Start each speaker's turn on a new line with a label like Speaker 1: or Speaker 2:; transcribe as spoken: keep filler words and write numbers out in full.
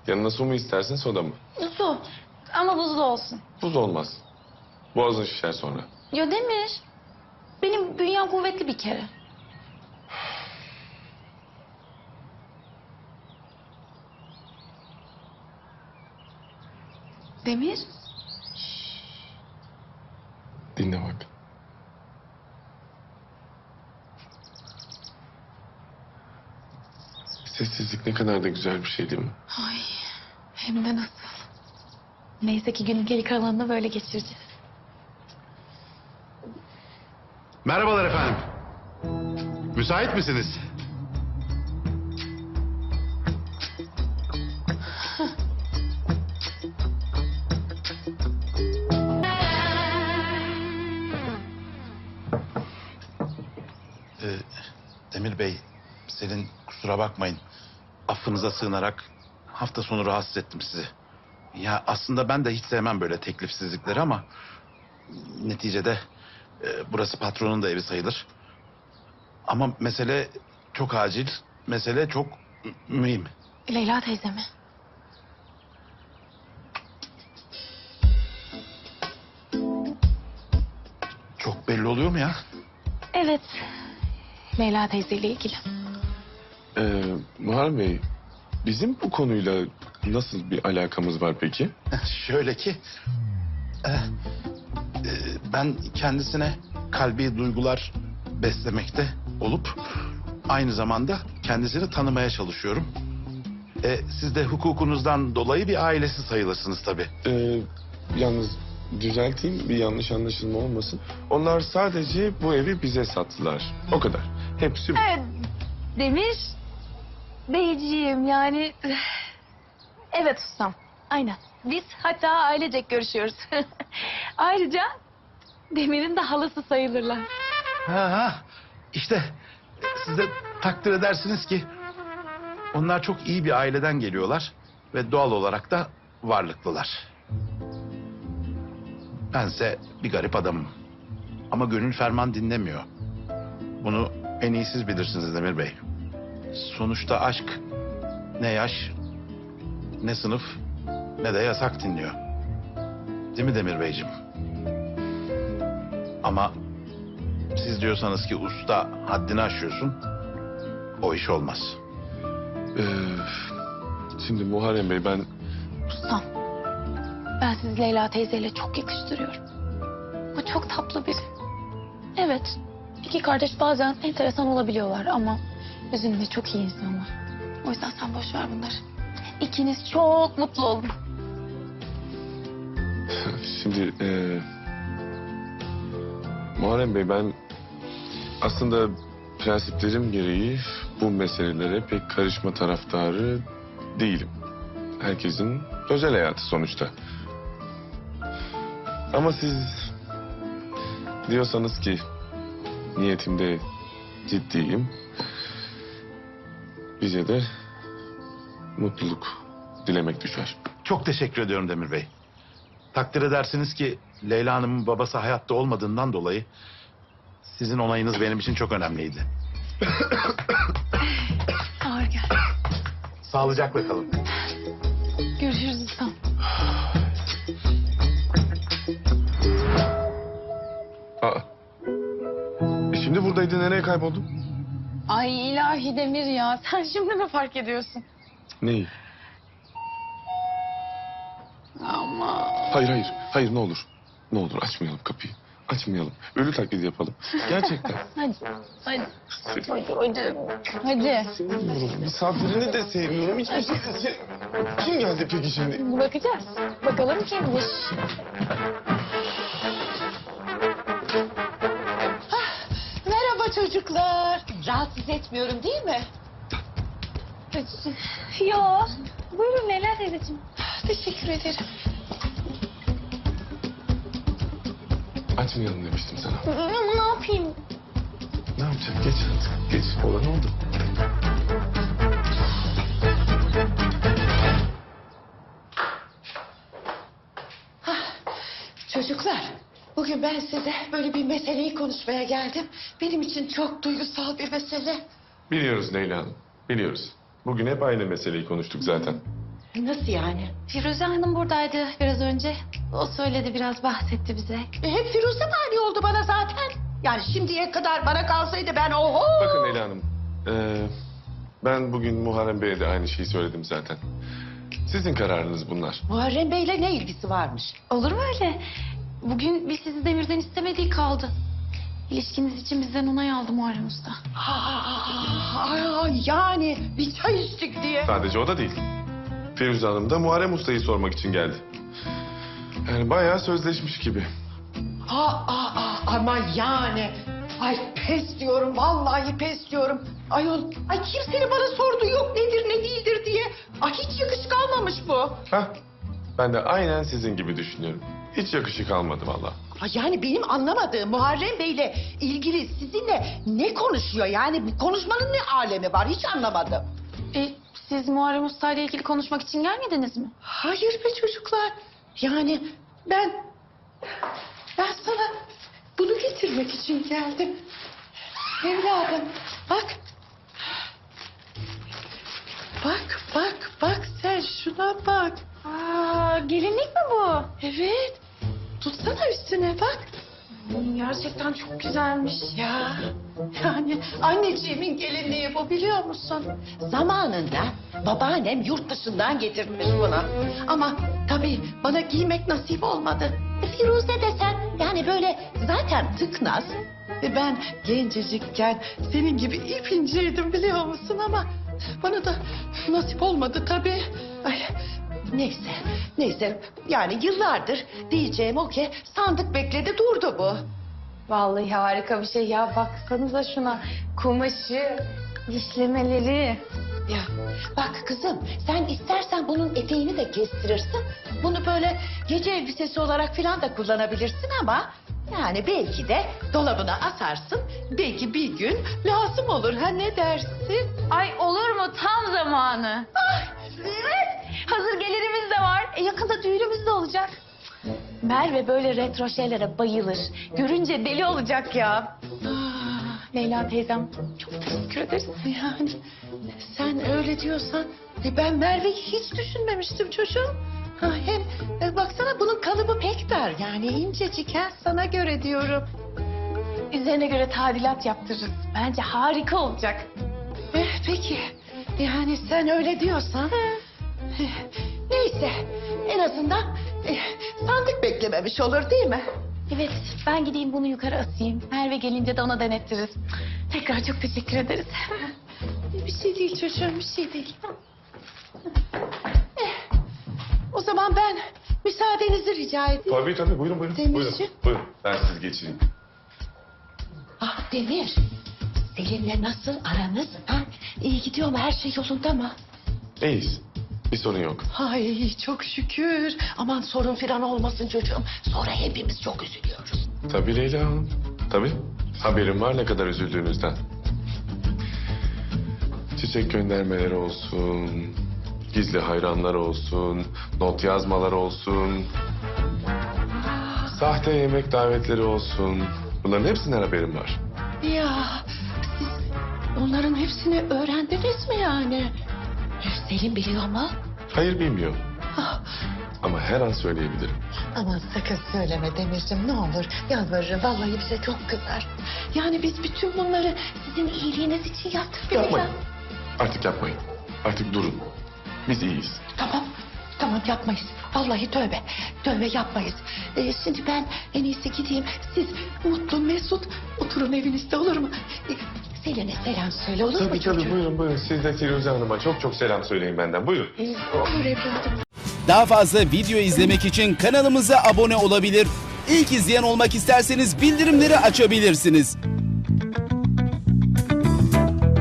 Speaker 1: Yanına su mu istersin, soda mı?
Speaker 2: Su. Ama buzlu olsun.
Speaker 1: Buz olmaz. Boğazın şişer sonra.
Speaker 2: Ya Demir. Benim bünyem kuvvetli bir kere. Demir.
Speaker 1: Dinle bak. Sessizlik ne kadar da güzel bir şey değil mi?
Speaker 2: Ay, hem de nasıl. Neyse ki günün geri kalanını böyle geçireceğiz.
Speaker 3: Merhabalar efendim. Müsait misiniz? Ee, Demir Bey, Selin kusura bakmayın. Affınıza sığınarak hafta sonu rahatsız ettim sizi. Ya aslında ben de hiç sevmem böyle teklifsizlikleri ama... ...neticede e, burası patronun da evi sayılır. Ama mesele çok acil, mesele çok mühim.
Speaker 2: Leyla teyze mi?
Speaker 3: Çok belli oluyor mu ya?
Speaker 2: Evet. Leyla teyzeyle ilgili.
Speaker 1: Ee, Muharrem Bey, bizim bu konuyla nasıl bir alakamız var peki?
Speaker 3: Şöyle ki... e, e, ben kendisine kalbi duygular beslemekte olup... ...aynı zamanda kendisini tanımaya çalışıyorum. E, siz de hukukunuzdan dolayı bir ailesi sayılırsınız tabii.
Speaker 1: Ee, yalnız düzelteyim, bir yanlış anlaşılma olmasın. Onlar sadece bu evi bize sattılar. O kadar. Hepsi bu.
Speaker 2: Evet. Demir. Beyciğim yani... Evet ustam. Aynen. Biz hatta ailecek görüşüyoruz. Ayrıca Demir'in de halası sayılırlar.
Speaker 3: Ha, ha. İşte siz de takdir edersiniz ki... ...onlar çok iyi bir aileden geliyorlar... ...ve doğal olarak da varlıklılar. Bense bir garip adamım. Ama gönül ferman dinlemiyor. Bunu en iyi siz bilirsiniz Demir Bey. Sonuçta aşk ne yaş, ne sınıf, ne de yasak dinliyor. Değil mi Demir Beyciğim? Ama siz diyorsanız ki usta haddini aşıyorsun, o iş olmaz.
Speaker 1: Ee, şimdi Muharrem Bey, ben...
Speaker 2: Ustam. Ben sizi Leyla teyzeyle çok yakıştırıyorum. O çok tatlı biri. Evet. İki kardeş bazen enteresan olabiliyorlar ama özünde çok iyi insanlar. O yüzden sen boş ver bunları. İkiniz çok mutlu olun.
Speaker 1: Şimdi e, Muharrem Bey, ben aslında prensiplerim gereği bu meselelere pek karışma taraftarı değilim. Herkesin özel hayatı sonuçta. Ama siz diyorsanız ki niyetimde ciddiyim, bize de mutluluk dilemek düşer.
Speaker 3: Çok teşekkür ediyorum Demir Bey. Takdir edersiniz ki Leyla Hanım'ın babası hayatta olmadığından dolayı... ...sizin onayınız benim için çok önemliydi.
Speaker 2: Ağır gel.
Speaker 3: Sağlıcakla kalın.
Speaker 2: Görüşürüz ustam.
Speaker 1: Aa. E şimdi buradaydı, nereye kayboldun?
Speaker 2: Ay ilahi Demir ya. Sen şimdi mi fark ediyorsun?
Speaker 1: Neyi?
Speaker 2: Ama...
Speaker 1: Hayır hayır, hayır ne olur. Ne olur açmayalım kapıyı. Açmayalım. Ölü taklidi yapalım. Gerçekten.
Speaker 2: Hadi. Hadi. Hadi. Hadi. Hadi.
Speaker 1: Sevmiyorum. Misafirini de sevmiyorum. Hiçbir şey de sevmiyorum. Kim geldi peki şimdi?
Speaker 2: Bakacağız. Bakalım kimmiş.
Speaker 4: Merhaba çocuklar. Rahatsız etmiyorum değil mi?
Speaker 2: Yo. Buyurun Leyla teyzeciğim.
Speaker 4: Teşekkür ederim.
Speaker 1: Açmayalım demiştim sana.
Speaker 2: Ama ne yapayım?
Speaker 1: Ne yapacak? Geç artık. Geç. Olan oldu.
Speaker 4: Çocuklar, bugün ben size böyle bir meseleyi konuşmaya geldim. Benim için çok duygusal bir mesele.
Speaker 1: Biliyoruz Leyla Hanım. Biliyoruz. Bugün hep aynı meseleyi konuştuk zaten.
Speaker 4: Nasıl yani?
Speaker 2: Firuze Hanım buradaydı biraz önce. O söyledi, biraz bahsetti bize.
Speaker 4: E, hep Firuze mani oldu bana zaten. Yani şimdiye kadar bana kalsaydı ben oho.
Speaker 1: Bakın Leyla Hanım. ee, ben bugün Muharrem Bey'e de aynı şeyi söyledim zaten. Sizin kararınız bunlar.
Speaker 4: Muharrem Bey'le ne ilgisi varmış?
Speaker 2: Olur mu öyle? Bugün biz sizi Demir'den istemediği kaldı. İlişkiniz için bizden onay aldı Muharrem Usta.
Speaker 4: Aa, yani bir çay içtik diye.
Speaker 1: Sadece o da değil. Firuze Hanım da Muharrem Usta'yı sormak için geldi. Yani bayağı sözleşmiş gibi.
Speaker 4: Aa, aa, aa, ama yani. Ay pes diyorum, vallahi pes diyorum. Ayol, ay kimsenin bana sorduğu yok nedir ne değildir diye. Ay hiç yakışık almamış bu.
Speaker 1: Hah, ben de aynen sizin gibi düşünüyorum. Hiç yakışık almadı vallahi.
Speaker 4: Ay yani benim anlamadığım Muharrem Bey'le ilgili sizinle ne konuşuyor? Yani bu konuşmanın ne alemi var hiç anlamadım.
Speaker 2: E, siz Muharrem Usta ile ilgili konuşmak için gelmediniz mi?
Speaker 4: Hayır be çocuklar. Yani ben... Ben sana bunu getirmek için geldim. Evladım bak. Bak bak bak sen şuna bak.
Speaker 2: Aa, gelinlik mi bu?
Speaker 4: Evet. Tutsana üstüne bak.
Speaker 2: Hmm, gerçekten çok güzelmiş.
Speaker 4: Ya yani anneciğimin gelinliği bu biliyor musun? Zamanında babaannem yurt dışından getirmiş bunu. Ama tabii bana giymek nasip olmadı. E, Firuze desen yani böyle zaten tıknaz. E, ben gencecikken senin gibi ip inceydim biliyor musun ama bana da nasip olmadı tabii. Ay, neyse, neyse yani yıllardır diyeceğim o ki sandık bekledi durdu bu.
Speaker 2: Vallahi harika bir şey ya. Baksanıza şuna. Kumaşı, işlemeleri.
Speaker 4: Ya bak kızım sen istersen bunun eteğini de kestirirsin. Bunu böyle gece elbisesi olarak falan da kullanabilirsin ama... Yani belki de dolabına asarsın. Belki bir gün lazım olur ha ne dersin?
Speaker 2: Ay olur mu? Tam zamanı.
Speaker 4: Ay,
Speaker 2: Evet. Hazır gelirimiz de var. E, yakında düğünümüz de olacak. Merve böyle retro şeylere bayılır. Görünce deli olacak ya.
Speaker 4: ah,
Speaker 2: Leyla teyzem çok teşekkür ederiz.
Speaker 4: yani sen öyle diyorsan e, ben Merve'yi hiç düşünmemiştim çocuğum. Ha, hem e, baksana bunun kalıbı pek dar yani incecik ha sana göre diyorum.
Speaker 2: Üzerine göre tadilat yaptırırız. Bence harika olacak.
Speaker 4: Eh, peki yani sen öyle diyorsan. Eh, neyse en azından eh, sandık beklememiş olur değil mi?
Speaker 2: Evet, ben gideyim bunu yukarı asayım. Merve gelince de ona denettiririz. Tekrar çok teşekkür ederiz.
Speaker 4: Bir şey değil çocuğum bir şey değil. Eh, o zaman ben müsaadenizi rica edeyim.
Speaker 1: Tabii tabii buyurun buyurun.
Speaker 4: Demirciğim.
Speaker 1: Buyurun, buyurun. Ben sizi geçireyim.
Speaker 4: Ah Demir, Selin'le nasıl aranız? Ha? İyi gidiyor mu? Her şey yolunda mı?
Speaker 1: İyiyiz. Bir sorun yok.
Speaker 4: Ay çok şükür. Aman sorun falan olmasın çocuğum. Sonra hepimiz çok üzülüyoruz.
Speaker 1: Tabii Leyla Hanım. Tabii. Haberim var ne kadar üzüldüğünüzden. Çiçek göndermeleri olsun, gizli hayranlar olsun, not yazmalar olsun, sahte yemek davetleri olsun. Bunların hepsinden haberim var.
Speaker 4: Ya siz onların hepsini öğrendiniz mi yani? Selin biliyor mu?
Speaker 1: Hayır bilmiyorum
Speaker 4: Ah,
Speaker 1: ama her an söyleyebilirim.
Speaker 4: aman sakın söyleme Demirciğim ne olur. Yalvarırım vallahi bize çok kızar. Yani biz bütün bunları sizin iyiliğiniz için yaptık. değil mi
Speaker 1: Yapmayın.
Speaker 4: ya?
Speaker 1: Artık yapmayın. Artık durun. Biz iyiyiz.
Speaker 4: Tamam. Tamam yapmayız. Vallahi tövbe. Tövbe yapmayız. Ee, şimdi ben en iyisi gideyim. Siz mutlu mesut oturun evinizde olur mu? Ee, Selin'e selam söyle olur mu
Speaker 1: Tabii
Speaker 4: çocuğum?
Speaker 1: tabii buyurun buyurun. Siz de Firuze Hanım'a çok çok selam söyleyin benden. Buyurun.
Speaker 4: Ee, olur evladım.
Speaker 5: Daha fazla video izlemek için kanalımıza abone olabilir. İlk izleyen olmak isterseniz bildirimleri açabilirsiniz.